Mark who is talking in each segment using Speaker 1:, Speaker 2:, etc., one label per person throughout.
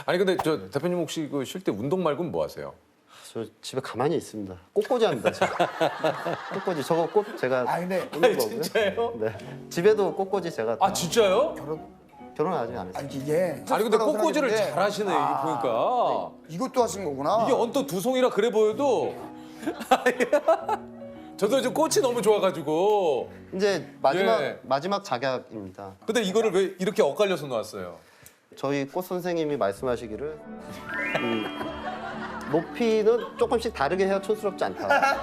Speaker 1: 아니 근데 저 대표님 혹시 그 쉴 때 운동 말고는 뭐 하세요?
Speaker 2: 저 집에 가만히 있습니다. 꽃꽂이 합니다. 제가. 꽃꽂이 저거 꽃 제가
Speaker 3: 근데
Speaker 2: 오는 거고요.
Speaker 1: 진짜요?
Speaker 2: 네. 집에도 꽃꽂이 제가
Speaker 1: 아 진짜요?
Speaker 2: 결혼 아직 안 했어요.
Speaker 3: 아니 이게
Speaker 1: 아니 근데 꽃꽂이를
Speaker 3: 생각했는데
Speaker 1: 잘하시네 이게 보니까.
Speaker 3: 이것도 하신 거구나.
Speaker 1: 이게 언뜻 두 송이라 그래 보여도 저도 이제 꽃이 너무 좋아가지고.
Speaker 2: 이제
Speaker 1: 예.
Speaker 2: 마지막 작약입니다.
Speaker 1: 근데 이거를 왜 이렇게 엇갈려서 놓았어요?
Speaker 2: 저희 꽃 선생님이 말씀하시기를 높이는 조금씩 다르게 해야 촌스럽지 않다.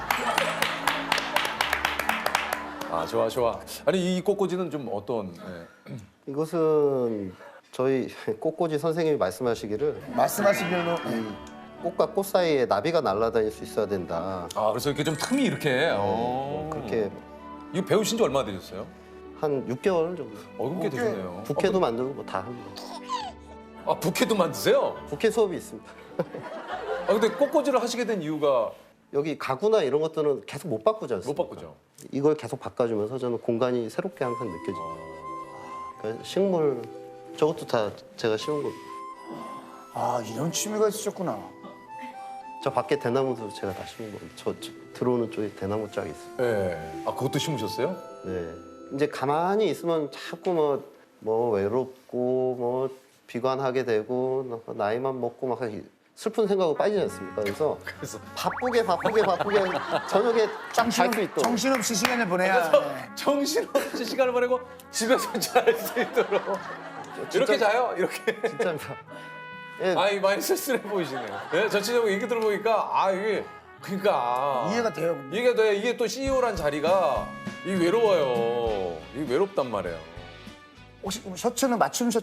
Speaker 1: 아 좋아 좋아. 아니 이 꽃꽂이는 좀 어떤? 예.
Speaker 2: 이것은 저희 꽃꽂이 선생님이 말씀하시기를
Speaker 3: 말씀하신 대로
Speaker 2: 꽃과 꽃 사이에 나비가 날아다닐 수 있어야 된다.
Speaker 1: 아 그래서 이렇게 좀 틈이 이렇게.
Speaker 2: 그렇게
Speaker 1: 이거 배우신 지 얼마나 되셨어요?
Speaker 2: 한 6개월 정도.
Speaker 1: 꽤 되셨네요.
Speaker 2: 부케도 만들고 뭐 다 합니다.
Speaker 1: 아 부케도 만드세요?
Speaker 2: 부케 수업이 있습니다.
Speaker 1: 아 근데 꽃꽂이를 하시게 된 이유가
Speaker 2: 여기 가구나 이런 것들은 계속 못 바꾸지
Speaker 1: 못
Speaker 2: 않습니까?
Speaker 1: 바꾸죠.
Speaker 2: 이걸 계속 바꿔주면서 저는 공간이 새롭게 항상 느껴져요. 그러니까 식물 저것도 다 제가 심은 거.
Speaker 3: 아 이런 취미가 있으셨구나.
Speaker 2: 저 밖에 대나무도 제가 다 심은 거예요. 저 들어오는 쪽에 대나무 쫙 있어요.
Speaker 1: 예. 아 그것도 심으셨어요?
Speaker 2: 네. 이제 가만히 있으면 자꾸 뭐 외롭고 뭐 비관하게 되고 나이만 먹고 막 슬픈 생각으로 빠지지 않습니까? 그래서 바쁘게 저녁에 쫙 잘 수 있도록.
Speaker 3: 정신없이 시간을 보내야. 네.
Speaker 1: 정신없이 시간을 보내고 집에서 잘 수 있도록 이렇게 자요? 이렇게.
Speaker 2: 진짜입니다. 예,
Speaker 1: 아이 많이 쓸쓸해 보이시네요. 예, 전체적으로 얘기 들어보니까 아 이게 그러니까
Speaker 3: 이해가 돼요. 근데.
Speaker 1: 이게 돼 이게 또 CEO란 자리가 이 외로워요. 이 외롭단 말이에요.
Speaker 3: 혹시 그럼 셔츠는 맞춤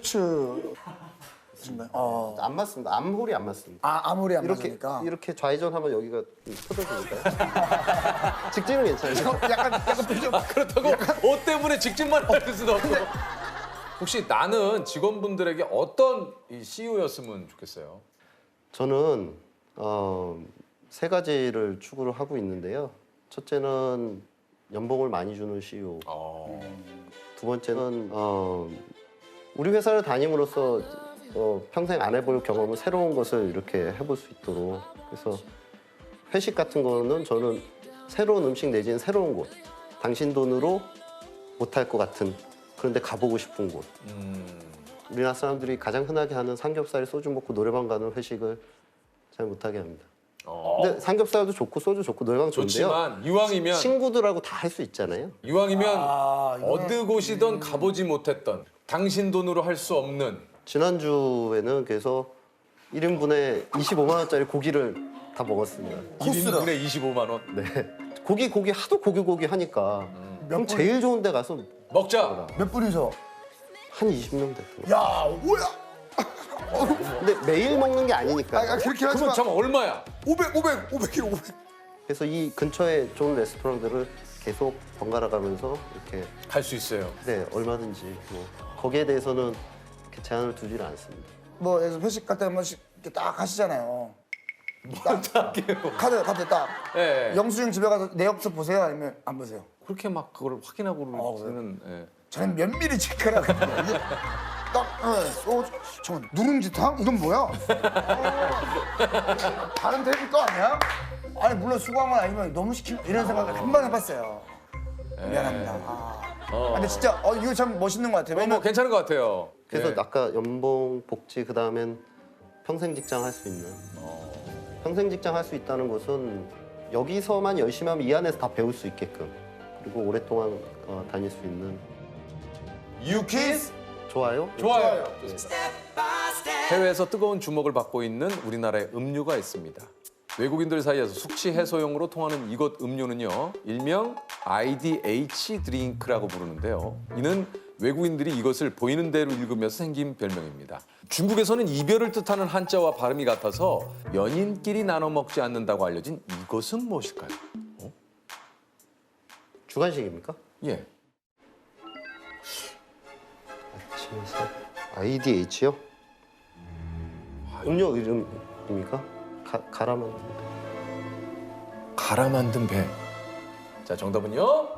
Speaker 3: 셔츠인가요?
Speaker 2: 안 맞습니다. 암홀이 안 맞습니다.
Speaker 3: 아무리 안
Speaker 2: 이렇게
Speaker 3: 맞으니까.
Speaker 2: 이렇게 좌회전하면 여기가 터져지니까요. 직진은 괜찮아요.
Speaker 3: 약간 표정.
Speaker 1: 그렇다고 옷 때문에 직진만 할 수도 없고. 혹시 나는 직원분들에게 어떤 이 CEO였으면 좋겠어요?
Speaker 2: 저는 세 가지를 추구를 하고 있는데요. 첫째는 연봉을 많이 주는 CEO. 두 번째는 우리 회사를 다님으로써 평생 안 해볼 경험을 새로운 것을 이렇게 해볼 수 있도록. 그래서 회식 같은 거는 저는 새로운 음식 내지는 새로운 곳. 당신 돈으로 못할 것 같은 그런데 가보고 싶은 곳. 우리나라 사람들이 가장 흔하게 하는 삼겹살, 소주 먹고 노래방 가는 회식을 잘 못하게 합니다. 근데 삼겹살도 좋고 소주 좋고 노래방 좋은데요.
Speaker 1: 좋지만 이왕이면
Speaker 2: 친구들하고 다 할 수 있잖아요.
Speaker 1: 어느 곳이든 가보지 못했던 당신 돈으로 할 수 없는
Speaker 2: 지난주에는 그래서 1인분에 25만 원짜리 고기를 다 먹었습니다.
Speaker 1: 1인분에 25만 원.
Speaker 2: 네. 고기 하도 고기 하니까 그럼 제일 좋은 데 가서
Speaker 1: 먹자.
Speaker 3: 몇 분이서?
Speaker 2: 한 20명 됐어요.
Speaker 3: 야 뭐야?
Speaker 2: 근데 매일 먹는 게 아니니까.
Speaker 3: 그렇게
Speaker 1: 그러면
Speaker 3: 하지만
Speaker 1: 참 얼마야?
Speaker 3: 500kg 500.
Speaker 2: 그래서 이 근처에 좋은 레스토랑들을 계속 번갈아 가면서 이렇게
Speaker 1: 갈 수 있어요.
Speaker 2: 네 얼마든지 뭐 거기에 대해서는 이렇게 제한을 두지를 않습니다.
Speaker 3: 뭐 그래서 회식 갈 때 한 번씩 이렇게 딱 하시잖아요. 카드 딱.
Speaker 1: 예.
Speaker 3: 영수증 집에 가서 내역서 보세요 아니면 안 보세요?
Speaker 1: 그렇게 막 그걸 확인하고는 예.
Speaker 3: 저는 면밀히 체크를 하거든요. 이게 딱, 잠깐 누룽지탕? 이건 뭐야? 다른 테이블 거 아니야? 아니 물론 수고한 건 아니면 너무 시키면 이런 생각을 한 번 해봤어요. 미안합니다. 근데 진짜 이거 참 멋있는 것 같아요.
Speaker 1: 뭐
Speaker 3: 왜냐면
Speaker 1: 괜찮은 것 같아요.
Speaker 2: 그래서
Speaker 1: 예.
Speaker 2: 아까 연봉, 복지 그다음엔 평생 직장 할 수 있는 평생 직장 할 수 있다는 것은 여기서만 열심히 하면 이 안에서 다 배울 수 있게끔 그리고 오랫동안 다닐 수 있는
Speaker 1: 유키스
Speaker 2: 좋아요?
Speaker 1: 좋아요. 해외에서 뜨거운 주목을 받고 있는 우리나라의 음료가 있습니다. 외국인들 사이에서 숙취 해소용으로 통하는 이것 음료는요, 일명 IDH 드링크라고 부르는데요. 이는 외국인들이 이것을 보이는 대로 읽으면서 생긴 별명입니다. 중국에서는 이별을 뜻하는 한자와 발음이 같아서 연인끼리 나눠 먹지 않는다고 알려진 이것은 무엇일까요?
Speaker 2: 주간식입니까?
Speaker 1: 예.
Speaker 2: IDH요? 음료 이름입니까? 가라만
Speaker 1: 갈아 만든 배. 자, 정답은요?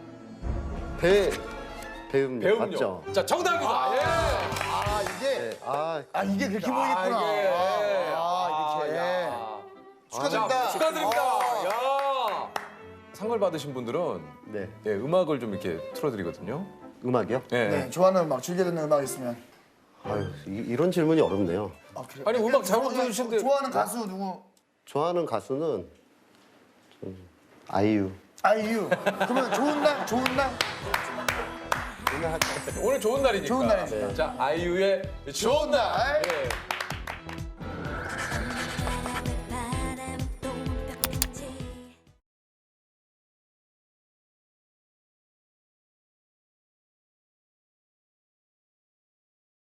Speaker 2: 배음료
Speaker 1: 배음료.
Speaker 2: 맞죠?
Speaker 1: 자, 정답입니다. 예.
Speaker 3: 이게
Speaker 2: 네.
Speaker 3: 아 이게 그렇게 보이겠구나.
Speaker 1: 이게.
Speaker 3: 이렇게.
Speaker 1: 야.
Speaker 3: 축하드립니다.
Speaker 1: 축하드립니다. 야. 상을 받으신 분들은
Speaker 2: 네.
Speaker 1: 예, 음악을 좀 이렇게 틀어드리거든요.
Speaker 2: 음악이요?
Speaker 1: 예.
Speaker 3: 네, 좋아하는 음악, 즐겨 듣는 음악 있으면.
Speaker 2: 아유, 이런 질문이 어렵네요.
Speaker 3: 아, 그래요?
Speaker 1: 아니, 음악 잘 불러주시는데.
Speaker 3: 좋아하는 가수 누구?
Speaker 2: 좋아하는 가수는 좀 아이유.
Speaker 3: 아이유. 그러면 좋은 날, 좋은 날.
Speaker 1: 오늘 좋은 날이니까.
Speaker 3: 좋은 날이니까.
Speaker 1: 자, 아이유의 좋은 날.
Speaker 3: 날.
Speaker 1: 예.